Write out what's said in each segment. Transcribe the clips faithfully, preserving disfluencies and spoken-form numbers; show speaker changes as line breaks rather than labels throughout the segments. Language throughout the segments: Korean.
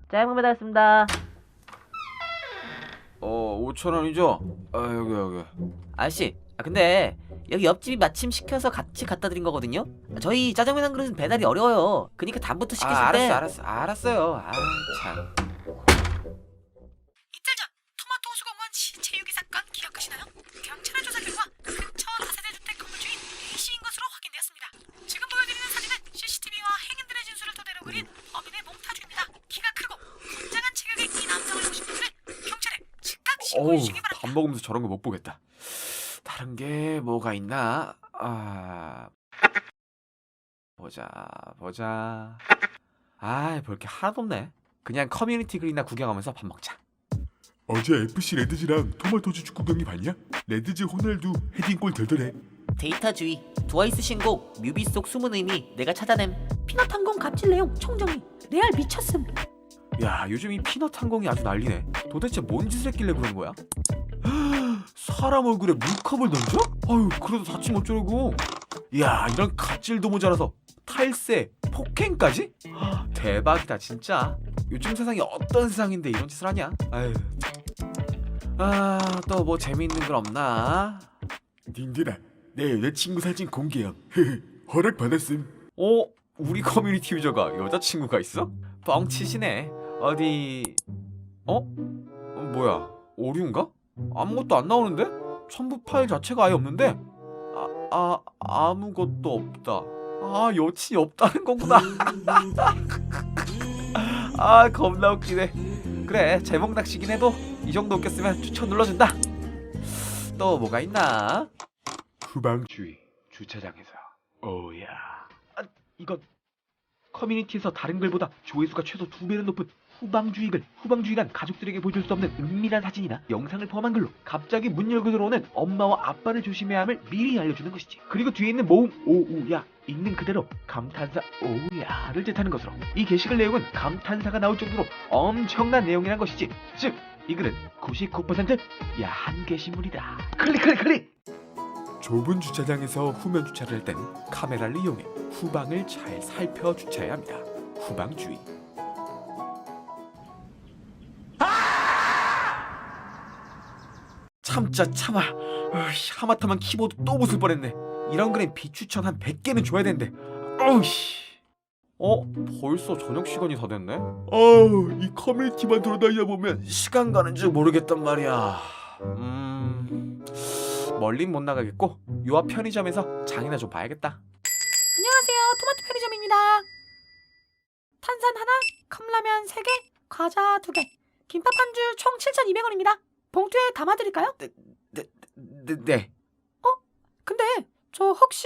짜장면 배달했습니다.
어, 오천 원이죠? 아, 여기 여기.
아저씨, 아, 근데 여기 옆집이 마침 시켜서 같이 갖다 드린 거거든요. 저희 짜장면 한 그릇은 배달이 어려워요. 그니까 다음부터 시키실
아,
때
알았어, 알았어, 알았어요. 아, 참.
이틀 전 토마토 수공원 시체 유기 사건 기억하시나요? 경찰의 조사 결과 근처 다세대 주택 건물 주인 A씨인 것으로 확인되었습니다. 지금 보여드리는 사진은 씨씨티비와 행인들의 진술을 토대로 그린 범인의 몽타주입니다. 키가 크고 건장한 체격의 이 남성을 보신 분들은 경찰에 즉각 신고해
어우,
주시기 바랍니다.
밥 먹으면서 저런 거 못 보겠다. 다른 게 뭐가 있나? 아, 보자, 보자. 아, 볼 게 하나도 없네. 그냥 커뮤니티 글이나 구경하면서 밥 먹자.
어제 에프씨 레드즈랑 토마토주 축구 경기 봤냐? 레드즈 호날두 헤딩골 덜덜해.
데이터주의, 트와이스 신곡, 뮤비 속 숨은 의미 내가 찾아냄.
피넛 항공 갑질 내용 총정리 레알 미쳤음.
야, 요즘 이 피넛 항공이 아주 난리네. 도대체 뭔 짓을 했길래 그런 거야? 사람 얼굴에 물컵을 던져? 아유, 그래도 다치면 어쩌려고. 야, 이런 갑질도 모자라서 탈세, 폭행까지? 대박이다 진짜. 요즘 세상이 어떤 세상인데 이런 짓을 하냐? 아유. 아, 또 뭐 재미있는 건 없나?
닌들아, 내 여자친구 사진 공개함. 허락 받았음.
어? 우리 커뮤니티 유저가 여자친구가 있어? 뻥치시네. 어디... 어? 어, 뭐야, 오류인가? 아무것도 안 나오는데? 첨부 파일 자체가 아예 없는데? 아, 아, 아무것도 없다. 아, 여친이 없다는 거구나. 아, 겁나 웃기네. 그래, 제목 낚시긴 해도 이 정도 웃겼으면 추천 눌러준다. 또 뭐가 있나?
후방주의 주차장에서. 오야.
아, 이거 커뮤니티에서 다른 글보다 조회수가 최소 두 배는 높은 후방주의 글. 후방주의란 가족들에게 보여줄 수 없는 은밀한 사진이나 영상을 포함한 글로 갑자기 문 열고 들어오는 엄마와 아빠를 조심해야 함을 미리 알려주는 것이지. 그리고 뒤에 있는 모음 오우야 있는 그대로 감탄사 오우야를 뜻하는 것으로 이 게시글 내용은 감탄사가 나올 정도로 엄청난 내용이란 것이지. 즉 이 글은 구십구 퍼센트 야한 게시물이다. 클릭 클릭 클릭.
좁은 주차장에서 후면 주차를 할 땐 카메라를 이용해 후방을 잘 살펴 주차해야 합니다. 후방주의.
참자 참아. 어이, 하마터면 키보드 또 부술 뻔했네. 이런 글엔 비추천 한 백 개는 줘야 되는데. 어우씨. 어? 벌써 저녁 시간이 다 됐네?
아우, 이 커뮤니티만 돌아다니다 보면
시간 가는 줄 모르겠단 말이야. 음... 멀린 못 나가겠고 요 앞 편의점에서 장이나 좀 봐야겠다.
안녕하세요, 토마토 편의점입니다. 탄산 하나, 컵라면 세 개, 과자 두 개, 김밥 한 줄 총 칠천이백 원입니다. 봉투에 담아드릴까요?
네, 네.
근데 저 혹시...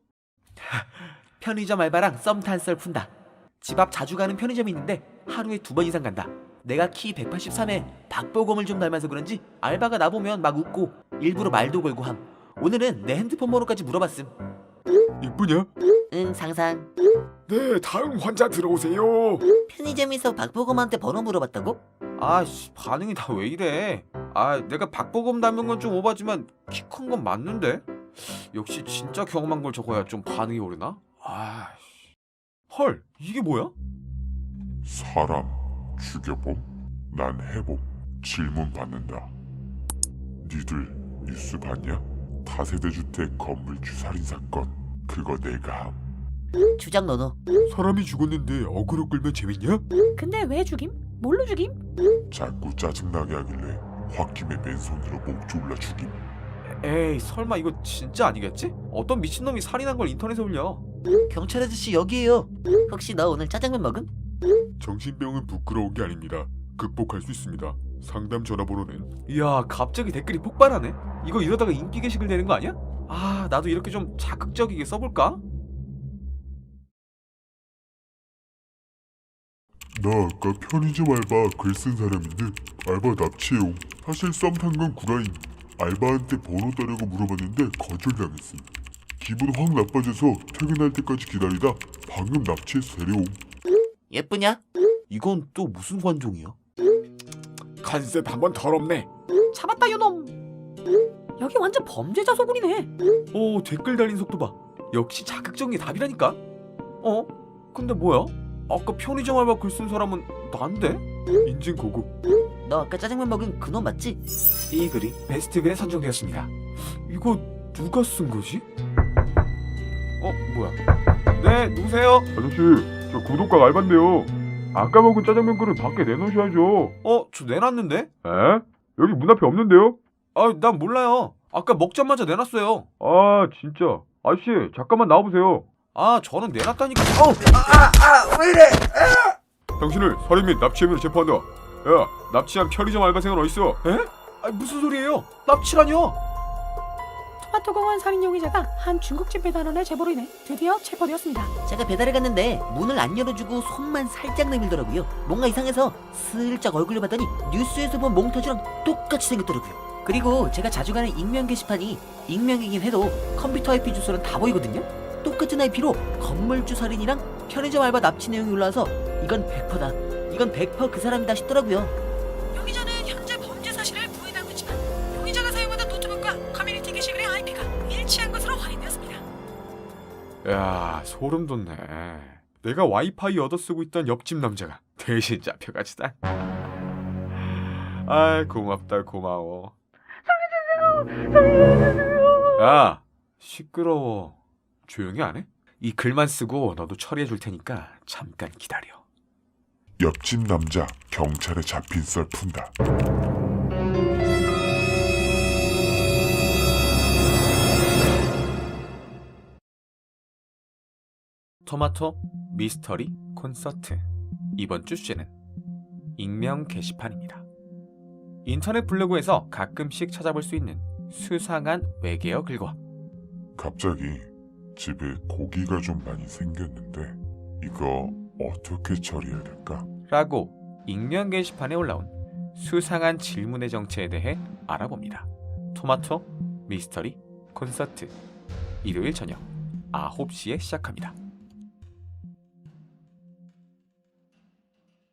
편의점 알바랑 썸 탄 썰 푼다. 집 앞 자주 가는 편의점이 있는데 하루에 두 번 이상 간다. 내가 키 백팔십삼에 박보검을 좀 닮아서 그런지 알바가 나보면 막 웃고 일부러 말도 걸고 함. 오늘은 내 핸드폰 번호까지 물어봤음.
이쁘냐?
응, 상상.
네, 다음 환자 들어오세요.
편의점에서 박보검한테 번호 물어봤다고?
아씨, 반응이 다 왜 이래. 아, 내가 박보검 닮은 건 좀 오바지만 키 큰 건 맞는데? 역시 진짜 경험한 걸 적어야 좀 반응이 오르나? 아씨. 헐, 이게 뭐야?
사람 죽여봄? 난 해봄. 질문 받는다. 니들 뉴스 봤냐? 다세대 주택 건물 주살인 사건. 그거 내가 함.
주작 너너.
사람이 죽었는데 어그로 끌면 재밌냐?
근데 왜 죽임? 뭘로 죽임?
자꾸 짜증나게 하길래 홧김에 맨손으로 목 졸라 죽임.
에이, 설마 이거 진짜 아니겠지? 어떤 미친놈이 살인한 걸 인터넷에 올려.
경찰 아저씨 여기에요. 혹시 너 오늘 짜장면 먹음?
정신병은 부끄러운 게 아닙니다. 극복할 수 있습니다. 상담 전화번호는
이야, 갑자기 댓글이 폭발하네. 이거 이러다가 인기 게시글 되는 거 아니야? 아, 나도 이렇게 좀 자극적이게 써볼까?
나 아까 편의점 알바 글 쓴 사람인데 알바 납치해옴. 사실 썸 탄 건 구라임. 알바한테 번호 따려고 물어봤는데 거절당했음. 기분 확 나빠져서 퇴근할 때까지 기다리다 방금 납치해서 데려옴.
예쁘냐?
이건 또 무슨 관종이야?
컨셉 한번 더럽네.
잡았다 요놈. 여기 완전 범죄자 소굴이네.
오, 댓글 달린 속도 봐. 역시 자극적인 게 답이라니까. 어? 근데 뭐야?
아까 편의점 알바 글 쓴 사람은 난데? 인증 고급.
너 아까 짜장면 먹은 그놈 맞지?
이 글이 베스트 글에 선정되었습니다. 이거 누가 쓴 거지? 어 뭐야? 네 누구세요?
아저씨, 저 구독각 알바인데요. 아까 먹은 짜장면 그릇 밖에 내놓으셔야죠.
어 저 내놨는데?
에? 여기 문 앞에 없는데요?
아 난 몰라요. 아까 먹자마자 내놨어요.
아, 진짜. 아저씨, 잠깐만 나와보세요.
아 저는 내놨다니까. 어! 아아왜 이래? 당신을 살인 및 납치 혐의로 재판한다. 야 납치한 편의점 알바생은 어딨어? 에? 아 무슨 소리예요? 납치라뇨?
토마토공원 살인 용의자가 한 중국집 배달원의 제보로 인해 드디어 체포되었습니다.
제가 배달을 갔는데 문을 안 열어주고 손만 살짝 내밀더라고요. 뭔가 이상해서 슬쩍 얼굴로 봤더니 뉴스에서 본 몽타주랑 똑같이 생겼더라고요. 그리고 제가 자주 가는 익명 게시판이 익명이긴 해도 컴퓨터 아이피 주소는 다 보이거든요. 똑같은 아이피로 건물주 살인이랑 편의점 알바 납치 내용이 올라와서 이건 백 퍼센트다. 이건 백 퍼센트 그 사람이다 싶더라고요.
용의자는 현재 범죄 사실을 부인하고 있지만 용의자가 사용하던 노트북과 커뮤니티 게시글의 아이피가 일치한 것으로 확인되었습니다.
야 소름 돋네. 내가 와이파이 얻어 쓰고 있던 옆집 남자가 대신 잡혀가지다. 아이 고맙다 고마워. 야 시끄러워. 조용히 안 해? 이 글만 쓰고 너도 처리해 줄 테니까 잠깐 기다려.
옆집 남자 경찰에 잡힌 썰 푼다.
토마토 미스터리 콘서트. 이번 주 주제는 익명 게시판입니다. 인터넷 블로그에서 가끔씩 찾아볼 수 있는 수상한 외계어 글과
갑자기 집에 고기가 좀 많이 생겼는데 이거 어떻게 처리해야 될까?
라고 익명 게시판에 올라온 수상한 질문의 정체에 대해 알아봅니다. 토마토 미스터리 콘서트 일요일 저녁 아홉 시에 시작합니다.